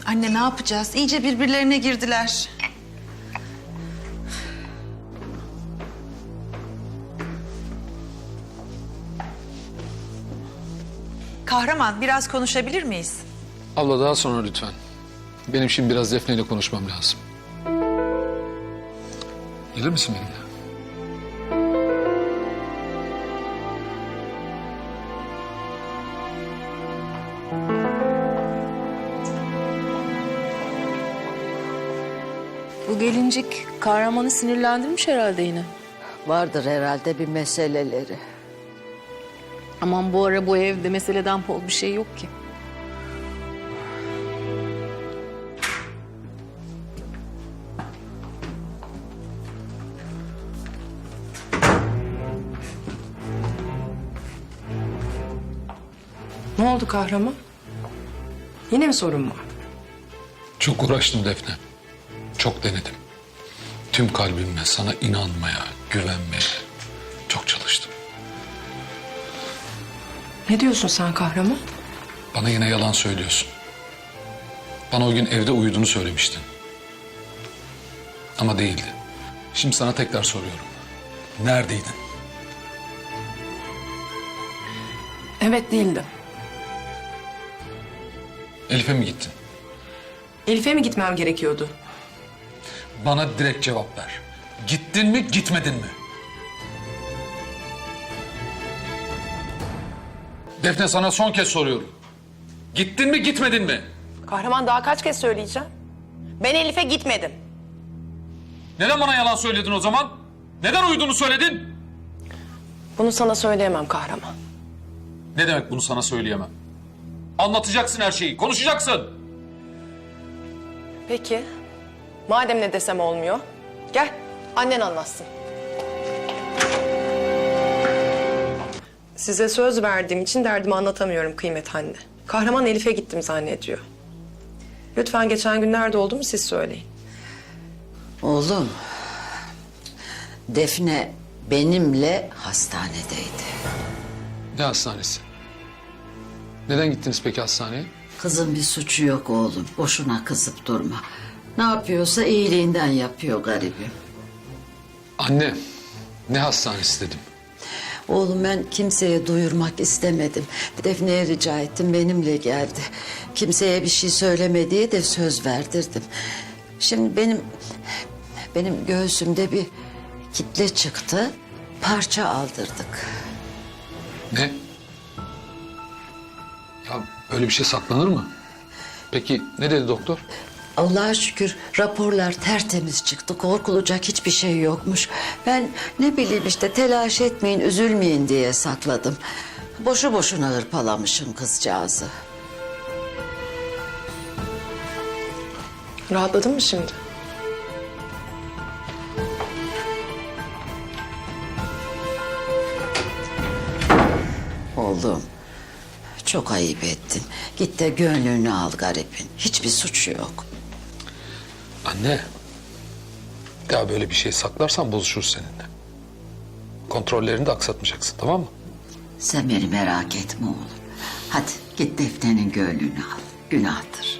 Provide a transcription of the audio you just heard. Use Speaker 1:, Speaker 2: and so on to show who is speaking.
Speaker 1: Anne ne yapacağız? İyice birbirlerine girdiler. Kahraman, biraz konuşabilir miyiz?
Speaker 2: Abla daha sonra lütfen. Benim şimdi biraz Defne ile konuşmam lazım. Gelir misin benimle?
Speaker 3: Bu gelincik Kahraman'ı sinirlendirmiş herhalde yine.
Speaker 4: Vardır herhalde bir meseleleri.
Speaker 3: Aman bu ara bu evde meseleden pol bir şey yok ki.
Speaker 5: Ne oldu Kahraman? Yine mi sorun var?
Speaker 2: Çok uğraştım Defne. Çok denedim. Tüm kalbimle sana inanmaya, güvenmeye çok çalıştım.
Speaker 5: Ne diyorsun sen Kahraman?
Speaker 2: Bana yine yalan söylüyorsun. Bana o gün evde uyuduğunu söylemiştin. Ama değildi. Şimdi sana tekrar soruyorum. Neredeydin?
Speaker 5: Evet, değildim.
Speaker 2: Elif'e mi gittin?
Speaker 5: Elif'e mi gitmem gerekiyordu?
Speaker 2: Bana direkt cevap ver. Gittin mi, gitmedin mi? Defne, sana son kez soruyorum. Gittin mi, gitmedin mi?
Speaker 5: Kahraman, daha kaç kez söyleyeceğim? Ben Elif'e gitmedim.
Speaker 2: Neden bana yalan söyledin o zaman? Neden uyuduğunu söyledin?
Speaker 5: Bunu sana söyleyemem Kahraman.
Speaker 2: Ne demek bunu sana söyleyemem? Anlatacaksın her şeyi, konuşacaksın.
Speaker 5: Peki. Madem ne desem olmuyor. Gel, annen anlatsın. Size söz verdiğim için derdimi anlatamıyorum kıymet anne. Kahraman Elif'e gittim zannediyor. Lütfen geçen gün nerede olduğumu siz söyleyin.
Speaker 4: Oğlum, Defne benimle hastanedeydi.
Speaker 2: Ne hastanesi? Neden gittiniz peki hastaneye?
Speaker 4: Kızın bir suçu yok oğlum. Boşuna kızıp durma. Ne yapıyorsa iyiliğinden yapıyor garibim.
Speaker 2: Anne, ne hastanesi dedim.
Speaker 4: Oğlum ben kimseye duyurmak istemedim. Defne'ye rica ettim, benimle geldi. Kimseye bir şey söyleme diye de söz verdirdim. Şimdi benim göğsümde bir kitle çıktı. Parça aldırdık.
Speaker 2: Ne? Ya öyle bir şey saklanır mı? Peki ne dedi doktor?
Speaker 4: Allah'a şükür raporlar tertemiz çıktı. Korkulacak hiçbir şey yokmuş. Ben ne bileyim işte telaş etmeyin, üzülmeyin diye sakladım. Boşu boşuna hırpalamışım kızcağızı.
Speaker 5: Rahatladın mı şimdi?
Speaker 4: Oğlum çok ayıp ettin. Git de gönlünü al garibin. Hiçbir suçu yok.
Speaker 2: Anne, ya böyle bir şey saklarsan bozuşuruz seninle. Kontrollerini de aksatmayacaksın, tamam mı?
Speaker 4: Sen beni merak etme oğlum. Hadi git Defne'nin gönlünü al. Günahtır.